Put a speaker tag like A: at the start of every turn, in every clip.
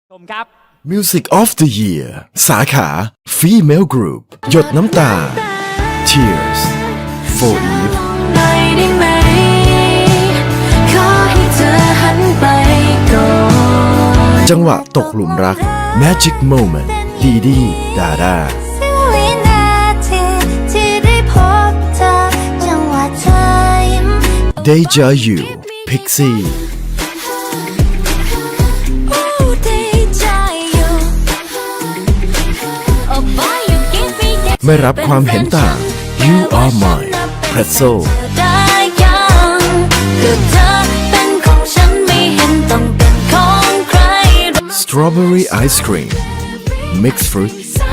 A: ชมครับ
B: Music of the Year สาขา Female Group หยดน้ำตา Tears for Eve จังหวะตกหลุมรัก Magic Moment ดีดีดาดา Deja You Pixie ไม่รับความเห็นต่าง You Are Mine Pretzel Strawberry Ice Cream Mixed Fruit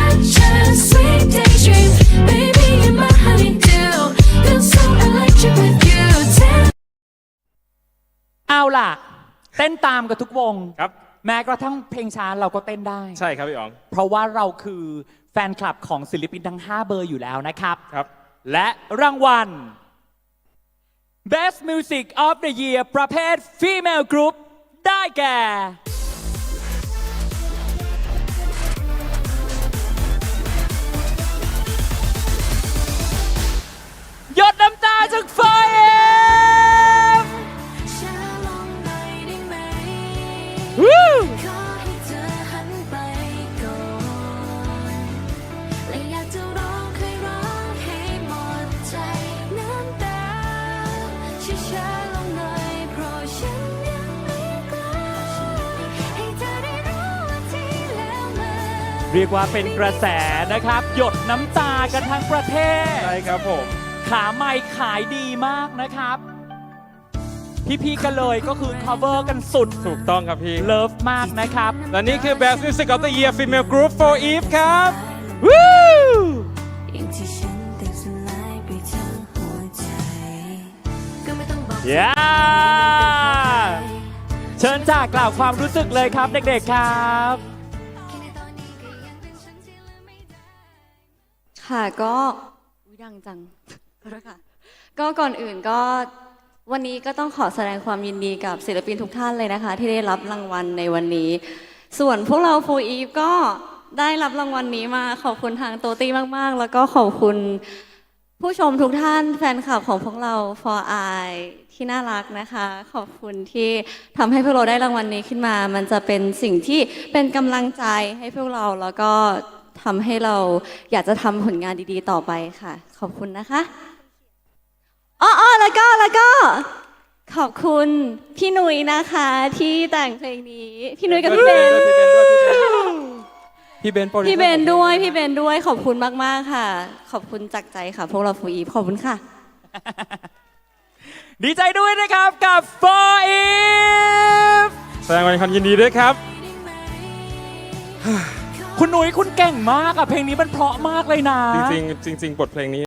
A: เอาล่ะ เต้นตามกับทุกวง
C: ครับ
A: แม้กระทั่งเพลงช้าเราก็เต้นได้
C: ใช่ครับพี่อ๋อง
A: เพราะว่าเราคือแฟนคลับของศิลปินทั้ง 5 เบอร์อยู่แล้วนะครับ
C: ครับ
A: และรางวัล Best Music of the Year ประเภท Female Group ได้แก่ หยดน้ำตาจากไฟเอ็มวู้เรียกว่าเป็นกระแสนะครับ หยดน้ำตากันทั้งประเทศ
C: ใช่ครับผม
A: ขาไม้ขายดีมากนะครับ พี่ๆกันเลยก็คือ cover กันสุด
C: ถูกต้องครับพี่
A: เลิฟมากนะครับ
C: และนี่คือ Best Music of the Year Female Group for Eve ครับ
A: วู้ย่าเชิญจากกล่าวความรู้สึกเลยครับเด็กๆครับ
D: ค่ะก็ดังจังขอโทษค่ะก็ก่อนอื่นก็วันนี้ก็ต้องขอแสดงความยินดีกับศิลปินทุกท่านเลยนะคะ ที่ได้รับรางวัลในวันนี้ ส่วนพวกเราโฟอีฟก็ได้รับรางวัลนี้มาขอบคุณทางโตตี้มากๆ แล้วก็ขอบคุณผู้ชมทุกท่านแฟนคลับของพวกเรา For I ที่น่ารักนะคะ ขอบคุณที่ทำให้พวกเราได้รางวัลนี้ขึ้นมา มันจะเป็นสิ่งที่เป็นกำลังใจให้พวกเราแล้วก็ทำให้เราอยากจะทำผลงานดีๆต่อไปค่ะขอบคุณนะคะแล้วก็ขอบคุณพี่นุ้ยนะคะที่แต่งเพลงนี้พี่นุ้ยกับพี่เบน
C: พี่เบน
D: ด้วยขอบคุณมากๆค่ะขอบคุณจากใจค่ะพวกเราฟูอีฟขอบคุณค่ะ
A: ดีใจด้วยนะครับกับ For Eve
C: แสดงความยินดีด้วยครับ
A: คุณหนุ่ยคุณเก่งมากอะเพลงนี้มันเพราะมากเลยนะ
C: จริงๆบทเพลงนี้